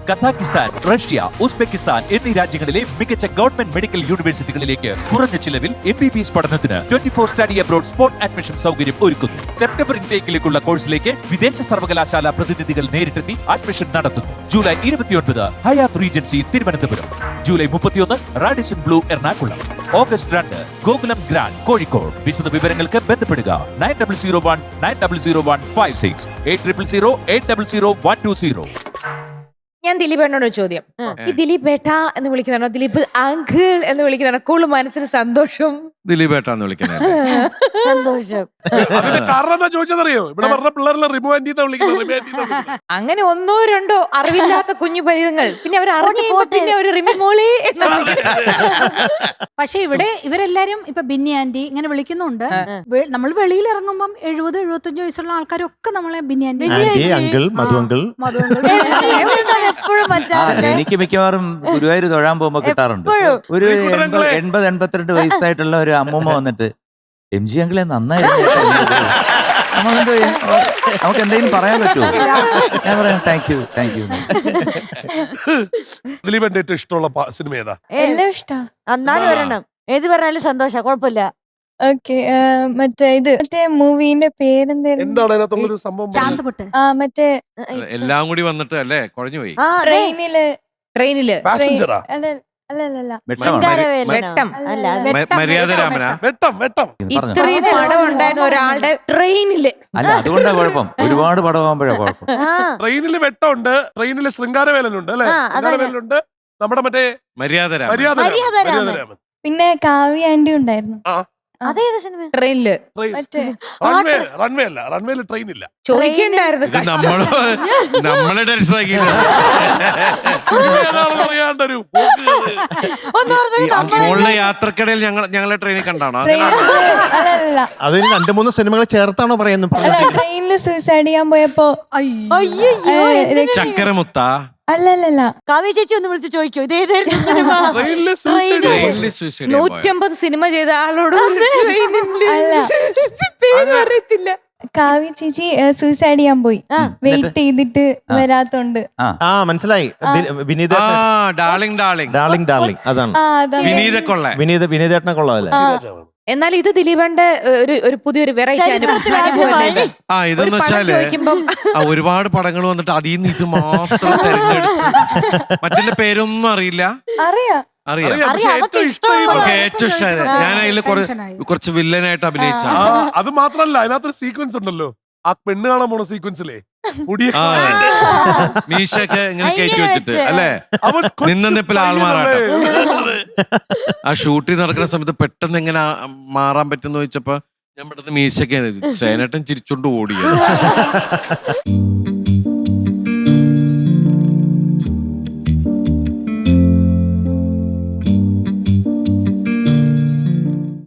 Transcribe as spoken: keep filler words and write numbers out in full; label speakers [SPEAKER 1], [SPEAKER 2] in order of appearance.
[SPEAKER 1] Kazakhstan, Russia, Uzbekistan എന്നീ രാജ്യങ്ങളിലെ മികച്ച ഗവൺമെന്റ് മെഡിക്കൽ യൂണിവേഴ്സിറ്റികളിലേക്ക് കുറഞ്ഞ ചിലവിൽ എം ബി ബി എസ് പഠനത്തിന് twenty four study abroad spot admission സൗകര്യം ഒരുക്കുന്നു. സെപ്റ്റംബർ ഇൻടേക്കിലേക്കുള്ള കോഴ്സിലേക്ക് വിദേശ സർവകലാശാല പ്രതിനിധികൾ നേരിട്ടെത്തി അഡ്മിഷൻ നടത്തുന്നു. ജൂലൈ ഇരുപത്തിയൊൻപത് ഹയാത്ത് റീജൻസി തിരുവനന്തപുരം, ജൂലൈ മുപ്പത്തിയൊന്ന് റാഡിസൺ ബ്ലൂ എറണാകുളം, ഓഗസ്റ്റ് രണ്ട് ഗോകുലം ഗ്രാൻഡ് കോഴിക്കോട്. വിശദ വിവരങ്ങൾക്ക് ബന്ധപ്പെടുക nine double zero one nine double zero one five six eight triple zero eight double zero one two zero.
[SPEAKER 2] ഞാൻ ദിലീപേട്ടനോട് ഒരു ചോദ്യം. ഈ ദിലീപ് ബേട്ട എന്ന് വിളിക്കുന്നതാണോ ദിലീപ് അങ്കിൾ എന്ന് വിളിക്കുന്നതാണോ കൂടുതൽ മനസ്സിന് സന്തോഷം?
[SPEAKER 3] ദിലീപ് ഏട്ടാന്ന് വിളിക്കുന്നത്
[SPEAKER 2] സന്തോഷം.
[SPEAKER 4] കാരണം എന്താ ചോദിച്ചതറിയോ? ഇവിടെ പറഞ്ഞ പിള്ളേരെല്ലാം റിമു ആന്റിന്ന് വിളിക്കുന്നത്.
[SPEAKER 2] അങ്ങനെ ഒന്നോ രണ്ടോ അറിവില്ലാത്ത കുഞ്ഞു പൈതങ്ങൾ പിന്നെ അവർ അറിഞ്ഞു പിന്നെ ഒരു റിമി മോളി എന്ന്
[SPEAKER 5] പക്ഷെ ഇവിടെ ഇവരെല്ലാരും ഇപ്പൊ ബിന്നി ആന്റി ഇങ്ങനെ വിളിക്കുന്നുണ്ട്. വെ- നമ്മൾ വെളിയിൽ ഇറങ്ങുമ്പം എഴുപത് എഴുപത്തഞ്ച് വയസ്സുള്ള ആൾക്കാരൊക്കെ നമ്മളെ Binny aunty
[SPEAKER 6] aunty, uncle, Madhu uncle.
[SPEAKER 2] എപ്പോഴും
[SPEAKER 7] ആ, എനിക്ക് മിക്കവാറും ഗുരുവായൂർ തൊഴാൻ പോകുമ്പോ കിട്ടാറുണ്ട്. ഒരു എൺപത് എൺപത് എൺപത്തിരണ്ട് വയസ്സായിട്ടുള്ള ഒരു അമ്മൂമ്മ വന്നിട്ട് എം ജി അങ്കിളെ നന്നായിരുന്നു നമുക്ക് നമുക്ക് എന്തെങ്കിലും പറയാൻ പറ്റുമോ? ഞാൻ പറയാം താങ്ക് യു താങ്ക് യു.
[SPEAKER 4] ദിലീപന്റെ ഏറ്റവും ഇഷ്ടമുള്ള പ- സിനിമ ഏതാ?
[SPEAKER 8] എല്ലാം ഇഷ്ടാ.
[SPEAKER 2] എന്നാലും ഒരെണ്ണം ഏത് പറഞ്ഞാലും സന്തോഷം, കുഴപ്പമില്ല.
[SPEAKER 8] ഓക്കെ, മറ്റേ ഇത് മറ്റേ മൂവിന്റെ പേരെന്തായിരുന്നു?
[SPEAKER 4] എന്താണ് അതിനകത്തുള്ളൊരു സംഭവം? പറഞ്ഞത്?
[SPEAKER 5] ശാന്തപ്പെട്ട്
[SPEAKER 8] ആ മറ്റേ
[SPEAKER 3] എല്ലാം കൂടി വന്നിട്ട് അല്ലേ കുഴഞ്ഞു പോയി.
[SPEAKER 2] ആ, ദേ,
[SPEAKER 8] ട്രെയിനില്
[SPEAKER 2] ട്രെയിനില്
[SPEAKER 4] പാസഞ്ചറാ?
[SPEAKER 8] അല്ല അല്ല അല്ല അല്ല
[SPEAKER 7] വെട്ടമാണ്.
[SPEAKER 2] ശൃംഗാരവേലനോ?
[SPEAKER 8] വെട്ടം.
[SPEAKER 2] അല്ല, അത്
[SPEAKER 3] മ- മര്യാദ രാമനാ?
[SPEAKER 4] വെട്ടം വെട്ടം.
[SPEAKER 7] പറഞ്ഞോ.
[SPEAKER 2] ഇത്രയും പടം ഉണ്ടായിരുന്ന ഒരാളുടെ ട്രെയിനില്
[SPEAKER 7] അല്ല അതുകൊണ്ടാ കുഴപ്പം, ഒരുപാട് പടമാകുമ്പോഴാ കുഴപ്പം.
[SPEAKER 2] ആ,
[SPEAKER 4] ട്രെയിനിൽ വെട്ടമുണ്ട്, ട്രെയിനിൽ ശൃംഗാരവേലനുണ്ട് അല്ലെ?
[SPEAKER 2] ആ, അതന്നെ.
[SPEAKER 4] ശൃംഗാരവേലനുണ്ട്, നമ്മുടെ മറ്റേ
[SPEAKER 3] മര്യാദ രാമൻ.
[SPEAKER 4] മര്യാദ
[SPEAKER 2] മര്യാദ
[SPEAKER 4] രാമൻ.
[SPEAKER 2] രാമൻ.
[SPEAKER 4] മര്യാദ രാമൻ.
[SPEAKER 8] പിന്നെ കാവ്യ ആന്റി ഉണ്ടായിരുന്നു.
[SPEAKER 2] അതേത് സിനിമ? ട്രെയിനില്
[SPEAKER 4] ട്രെയിൻ.
[SPEAKER 8] മറ്റേ
[SPEAKER 4] റൺവേ റൺവേ അല്ല, റൺവേയിൽ ട്രെയിൻ ഇല്ല.
[SPEAKER 2] ചോദിക്കണ്ടായിരുന്നു.
[SPEAKER 3] ഇത് നമ്മള് നമ്മളെ ടെൻഷൻ ആക്കിയില്ല.
[SPEAKER 4] സിനിമ ഏതാണെന്ന് അറിയാണ്ടൊരു പോക്ക്.
[SPEAKER 2] ഒന്ന് പറഞ്ഞത്
[SPEAKER 3] മോളിലെ യാത്രക്കിടയിൽ ഞങ്ങൾ ഞങ്ങളെ ട്രെയിനിൽ കണ്ടാണോ?
[SPEAKER 8] ട്രെയിനില് അല്ല അല്ല
[SPEAKER 6] അതൊരു രണ്ടു മൂന്ന് സിനിമകൾ ചേർത്താണോ പറയുന്നത്?
[SPEAKER 8] അല്ല ട്രെയിനില് സൂസൈഡ് ചെയ്യാൻ പോയപ്പോ
[SPEAKER 2] അയ്യോ,
[SPEAKER 8] രക്ഷ-
[SPEAKER 3] ചക്കരമുത്ത
[SPEAKER 8] അല്ല അല്ല അല്ല
[SPEAKER 2] കവി ചേച്ചി ഒന്ന് വിളിച്ച് ചോദിക്കോ ഇത് ഏതായിരുന്നു സിനിമ?
[SPEAKER 4] ട്രെയിനില് suicide.
[SPEAKER 3] ട്രെയിനിൽ സൂയിസൈഡ് ചെയ്യാൻ പോയത്.
[SPEAKER 2] നൂറ്റമ്പത് സിനിമ ചെയ്ത ആളോട് ട്രെയിനില്
[SPEAKER 8] അല്ല.
[SPEAKER 2] പേര് അറിയത്തില്ല.
[SPEAKER 8] കാവ്യ ചേച്ചി സൂസൈഡ് ചെയ്യാൻ പോയി. വെയിറ്റ് ചെയ്തിട്ട് വരാത്തോണ്ട്.
[SPEAKER 6] ആ മനസ്സിലായി. ദി- വിനീത
[SPEAKER 3] ആ ഡാർലിംഗ് ഡാർലിംഗ്
[SPEAKER 6] ഡാർലിംഗ് ഡാർലിംഗ് അതാണ്.
[SPEAKER 8] ആ അതാ
[SPEAKER 3] വിനീത കൊള്ള.
[SPEAKER 6] വിനീത വിനീതേട്ടനെ കൊള്ളാമല്ലേ?
[SPEAKER 2] എന്നാൽ ഇത് ദിലീപന്റെ ഒരു ഒരു പുതിയൊരു വെറൈറ്റി അനുഭവം.
[SPEAKER 3] ആ ഇതെന്ന് വെച്ചാല്
[SPEAKER 2] ചോദിക്കുമ്പം
[SPEAKER 3] ആ ഒരുപാട് പടങ്ങൾ വന്നിട്ട് അതിൽ നിന്ന് ഇത് മാത്രം തെരഞ്ഞെടുത്തു. മറ്റേ പേരൊന്നും അറിയില്ല.
[SPEAKER 8] അറിയാ
[SPEAKER 3] അറിയാം.
[SPEAKER 4] അറിയാം, പക്ഷേ
[SPEAKER 2] അറിയാം, അവർക്ക്
[SPEAKER 4] ഏറ്റവും ഇഷ്ടമുള്ള
[SPEAKER 3] പക്ഷെ ഏറ്റവും ഇഷ്ടമായത് ഞാൻ അതിൽ
[SPEAKER 5] ടെൻഷനായി.
[SPEAKER 3] കുറച്ച് വില്ലനായിട്ട് അഭിനയിച്ച
[SPEAKER 4] ആ, അത് മാത്രല്ല, അതിനകത്തൊരു സീക്വൻസ് ഉണ്ടല്ലോ, ആ പെണ്ണ് കാണാൻ പോണ സീക്വൻസിലെ
[SPEAKER 3] ആ മീശയൊക്കെ ഇങ്ങനെ കയറ്റി
[SPEAKER 2] ഇങ്ങനെ
[SPEAKER 3] വെച്ചിട്ട്
[SPEAKER 2] വെച്ച്.
[SPEAKER 3] അല്ലേ
[SPEAKER 4] അവൻ കൊച്ചു
[SPEAKER 3] നിന്ന നിപ്പിൽ ആൾമാറാട്ടം.
[SPEAKER 4] പയ്യനല്ലേ?
[SPEAKER 3] ആ ഷൂട്ടിംഗ് നടക്കുന്ന സമയത്ത് പെട്ടെന്ന് എങ്ങനെ ആ- മാറാൻ പറ്റുന്ന ചോദിച്ചപ്പോ ഞാൻ പെട്ടെന്ന് മീശയൊക്കെ സേനട്ടൻ ചിരിച്ചോണ്ട് ഓടിയത്.